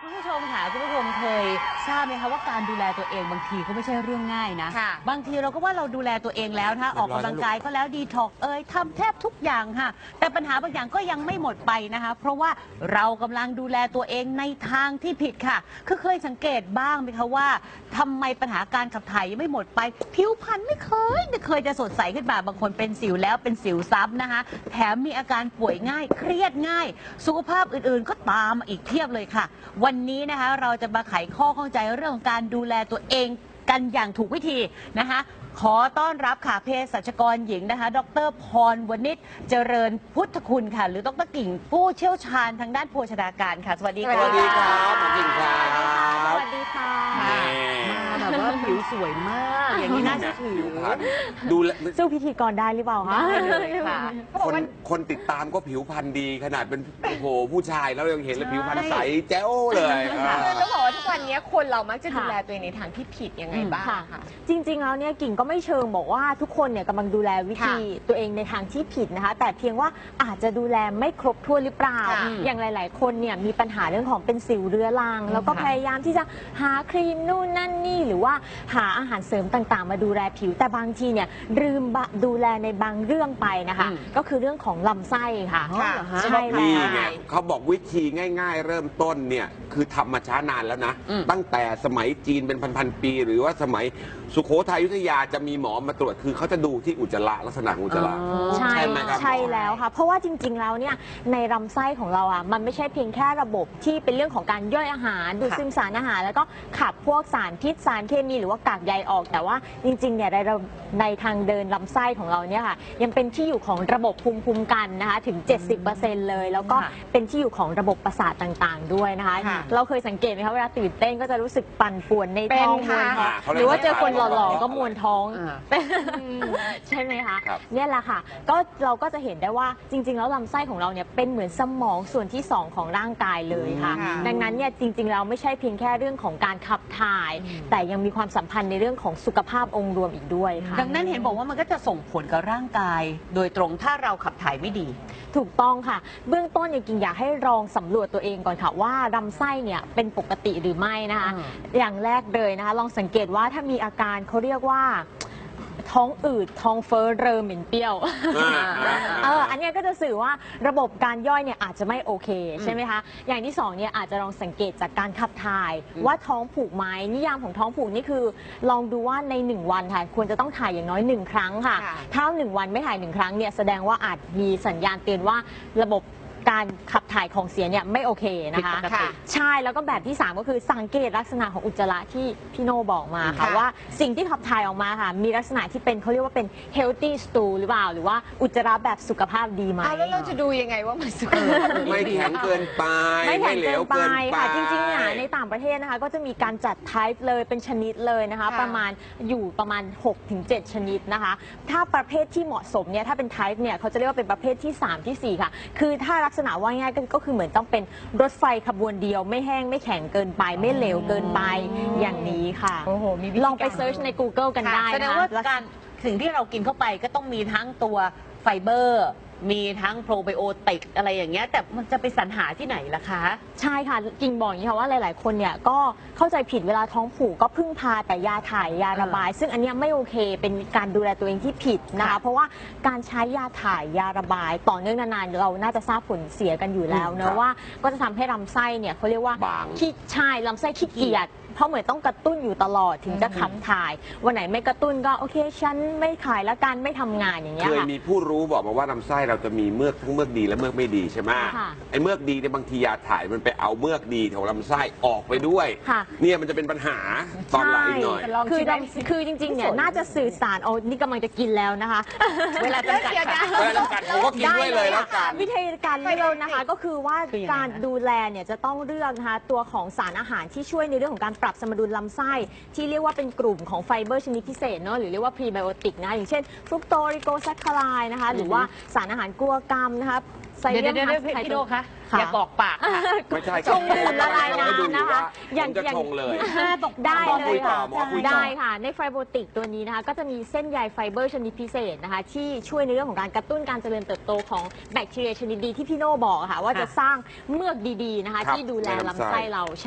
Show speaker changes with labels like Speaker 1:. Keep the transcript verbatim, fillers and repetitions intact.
Speaker 1: คุณผู้ชมค่ะคุณผู้ชมเคยทราบไหมคะว่าการดูแลตัวเองบางทีก็ไม่ใช่เรื่องง่ายนะบางทีเราก็ว่าเราดูแลตัวเองแล้วนะคะออกกำลังกายก็แล้วดีท็อกเอยทำแทบทุกอย่างค่ะแต่ปัญหาบางอย่างก็ยังไม่หมดไปนะคะเพราะว่าเรากำลังดูแลตัวเองในทางที่ผิดค่ะคือเคยสังเกตบ้างไหมคะว่าทำไมปัญหาการขับถ่ายยังไม่หมดไปผิวพรรณไม่เคยไม่เคยจะสดใสขึ้นมาบางคนเป็นสิวแล้วเป็นสิวซ้ำนะคะแถมมีอาการป่วยง่ายเครียดง่ายสุขภาพอื่นๆก็ตามมาอีกเพียบเลยค่ะวันนี้นะคะเราจะมาไขข้อข้องใจเรื่องของการดูแลตัวเองกันอย่างถูกวิธีนะคะขอต้อนรับค่ะเภสัชกรหญิงนะคะดรพรวณิชเจริญพุทธคุณค่ะหรือดรกิ่งผู้เชี่ยวชาญทางด้านโภชนาการค่ะสวัสดีค่ะ
Speaker 2: สวัสดีครับหมอกิ่งครับ
Speaker 3: สวัสดีค่ะ
Speaker 1: มาแบบว่าผิวสวยมากอย่างนี้น่าเชื่อถือ
Speaker 2: ดูแล
Speaker 3: สู้พิธีกรได้หรือเปล่าคะ
Speaker 1: ได้เลยค่ะ
Speaker 2: คนคนติดตามก็ผิวพรรณดีขนาดเป็นโอ้โหผู้ชายแล้วยังเห็นเลยผิวพรรณใสแจ๋วเลย
Speaker 4: คือต้องบอกว่าทุกวันนี้คนเรามักจะดูแลตัวเองในทางที่ผิดยังไงบ้างค่ะ
Speaker 3: จริงๆแล้วเนี่ยกิ่งก็ไม่เชิงบอกว่าทุกคนเนี่ยกำลังดูแลวิธีตัวเองในทางที่ผิดนะคะแต่เพียงว่าอาจจะดูแลไม่ครบถ้วนหรือเปล่าอย่างหลายๆคนเนี่ยมีปัญหาเรื่องของเป็นสิวเรื้อรังแล้วก็พยายามที่จะหาครีมนู่นนั่นนี่หรือว่าหาอาหารเสริมต่างๆมาดูแลผิวแต่บางทีเนี่ยลืมดูแลในบางเรื่องไปนะคะก็คือเรื่องของลำไส้ค่ะ
Speaker 2: ใช่แล้วเขาบอกวิธีง่ายๆเริ่มต้นเนี่ยคือทำมาช้านานแล้วนะตั้งแต่สมัยจีนเป็นพันๆปีหรือว่าสมัยสุโขทัยอยุธยาจะมีหมอมาตรวจคือเขาจะดูที่อุจจาระลักษณะอุจจาระ
Speaker 3: ใช่ไหมครับใช่แล้วค่ะเพราะว่าจริงๆแล้วเนี่ยในลำไส้ของเราอ่ะมันไม่ใช่เพียงแค่ระบบที่เป็นเรื่องของการย่อยอาหารดูดซึมสารอาหารแล้วก็ขับพวกสารพิษสารเคมีหรือว่ากากใยออกแต่ว่าจริงๆเนี่ยในในทางเดินลำไส้ของเราเนี่ยค่ะยังเป็นที่อยู่ของระบบภูมิคุ้มกันนะคะถึง เจ็ดสิบเปอร์เซ็นต์ เลยแล้วก็เป็นที่อยู่ของระบบประสาทต่างๆด้วยนะคะเราเคยสังเกตไหมคะเวลาตื่นเต้นก็จะรู้สึกปั่นป่วนในท้องมวนท้องหรือว่าเจอคนหล่อๆก็มวนท้องใช่ไหมคะเนี่ยแหละค่ะก็เราก็จะเห็นได้ว่าจริงๆแล้วลำไส้ของเราเนี่ยเป็นเหมือนสมองส่วนที่สองของร่างกายเลยค่ะดังนั้นเนี่ยจริงๆเราไม่ใช่เพียงแค่เรื่องของการขับถ่ายแต่ยังมีความสัมพันธ์ในเรื่องของสุขภาพองค์รวมอีกด้วยค่ะ
Speaker 1: ดังนั้นเห็นบอกว่ามันก็จะส่งผลกับร่างกายโดยตรงถ้าเราขับถ่ายไม่ดี
Speaker 3: ถูกต้องค่ะเบื้องต้นเนี่ยกิ่งอยากให้ลองสำรวจตัวเองก่อนค่ะว่าลำไส้เนี่ยเป็นปกติหรือไม่นะคะอย่างแรกเลยนะคะลองสังเกตว่าถ้ามีอาการเขาเรียกว่าท้องอืดท้องเฟ้อเริ่มเหม็นเปรี้ยวเอออันนี้ก็จะสื่อว่าระบบการย่อยเนี่ยอาจจะไม่โอเคใช่ไหมคะอย่างที่สองเนี่ยอาจจะลองสังเกตจากการขับถ่ายว่าท้องผูกไหมนิยามของท้องผูกนี่คือลองดูว่าในหนึ่งวันค่ะควรจะต้องถ่ายอย่างน้อยหนึ่งครั้งค่ะถ้าหนึ่งวันไม่ถ่ายหนึ่งครั้งเนี่ยแสดงว่าอาจมีสัญญาณเตือนว่าระบบการขับถ่ายของเสียเนี่ยไม่โอเคนะคะใช่แล้วก็แบบที่สามก็คือสังเกตลักษณะของอุจจาระที่พี่โน่บอกมาค่ะว่าสิ่งที่ขับถ่ายออกมาค่ะมีลักษณะที่เป็นเขาเรียกว่าเป็น healthy stool หรือเปล่าหรือว่าอุจจาระแบบสุขภาพดีไหม
Speaker 4: แล้วเราจะดูยังไงว่ามันสุขภาพ
Speaker 2: ไม่แข็งเกินไป
Speaker 3: ไม่แข็งเกินไปค่ะจริงๆเนี่ยในต่างประเทศนะคะก็จะมีการจัด type เลยเป็นชนิดเลยนะคะประมาณอยู่ประมาณ หกถึงเจ็ด ชนิดนะคะถ้าประเภทที่เหมาะสมเนี่ยถ้าเป็น type เนี่ยเขาจะเรียกว่าเป็นประเภทที่สามที่สี่ค่ะคือถ้าลักษณะว่าง่ายก็คือเหมือนต้องเป็นรถไฟขบวนเดียวไม่แห้งไม่แข็งเกินไปไม่เหลวเกินไปอย่างนี้ค่ะลองไปเซิร์ชใน กูเกิล กันได้
Speaker 1: แสดงว่าการสิ่งที่เรากินเข้าไปก็ต้องมีทั้งตัวไฟเบอร์มีทั้งโปรไบโอติกอะไรอย่างเงี้ยแต่มันจะไปสรรหาที่ไหนล่ะคะ
Speaker 3: ใช่ค่ะกิ่งบอกอย่างนี้ค่ะว่าหลายๆคนเนี่ยก็เข้าใจผิดเวลาท้องผูกก็พึ่งพาแต่ยาถ่ายยาระบาย ซึ่งอันนี้ไม่โอเคเป็นการดูแลตัวเองที่ผิดนะคะเพราะว่าการใช้ยาถ่ายยาระบายต่อเนื่องนานๆเราน่าจะทราบผลเสียกันอยู่แล้วนะว่าก็จะทำให้ลำไส้เนี่ยเขาเรียกว่าขี้ใช่ลำไส้ขี้เกียจเพราะเหมือนต้องกระตุ้นอยู่ตลอดถึงจะขับถ่ายวันไหนไม่กระตุ้นก็โอเคฉันไม่ขายแล้วกันไม่ทำงานอย่างเงี้ย
Speaker 2: เคยมีผู้รู้บอกมาว่าลำไส้เราจะมีเมือกทั้งเมือกดีและเมือกไม่ดีใช่ไหมไอ้เมือกดีในบางทียาถ่ายมันไปเอาเมือกดีของลำไส้ออกไปด้วยเนี่ยมันจะเป็นปัญหาตอนหลังหน่อย
Speaker 3: คือคือจริงๆเนี่ยน่าจะสื่อสารโอ้นี่กำลังจะกินแล้วนะคะ
Speaker 1: เวลาจำกัด
Speaker 2: เวลาจำกัดผมก็กินด้วยเลยแล้วกัน
Speaker 3: วิธีการเลือกนะคะก็คือว่าการดูแลเนี่ยจะต้องเลือกนะคะตัวของสารอาหารที่ช่วยในเรื่องของการปรับสมดุลลำไส้ที่เรียกว่าเป็นกลุ่มของไฟเบอร์ชนิดพิเศษเนาะหรือเรียกว่าพรีไบโอติกนะอย่างเช่นฟรุกโตริโกแซคคาไรด์นะคะหรือว่าสารอาหารกลัวกรรมนะคะ
Speaker 1: ไซเลียมฮัสไคโตคะอย่ากอกปาก
Speaker 2: ไม่ใช่
Speaker 3: ชงอุ่นละลายน้ำนะคะ
Speaker 2: อย่างจะชงเลย
Speaker 3: ได้เลยค่ะได้ค่ะในไฟโบติกตัวนี้นะคะก็จะมีเส้นใยไฟเบอร์ชนิดพิเศษนะคะที่ช่วยในเรื่องของการกระตุ้นการเจริญเติบโตของแบคทีเรียชนิดดีที่พี่โน่บอกค่ะว่าจะสร้างเมือกดีๆนะคะที่ดูแลลำไส้เรา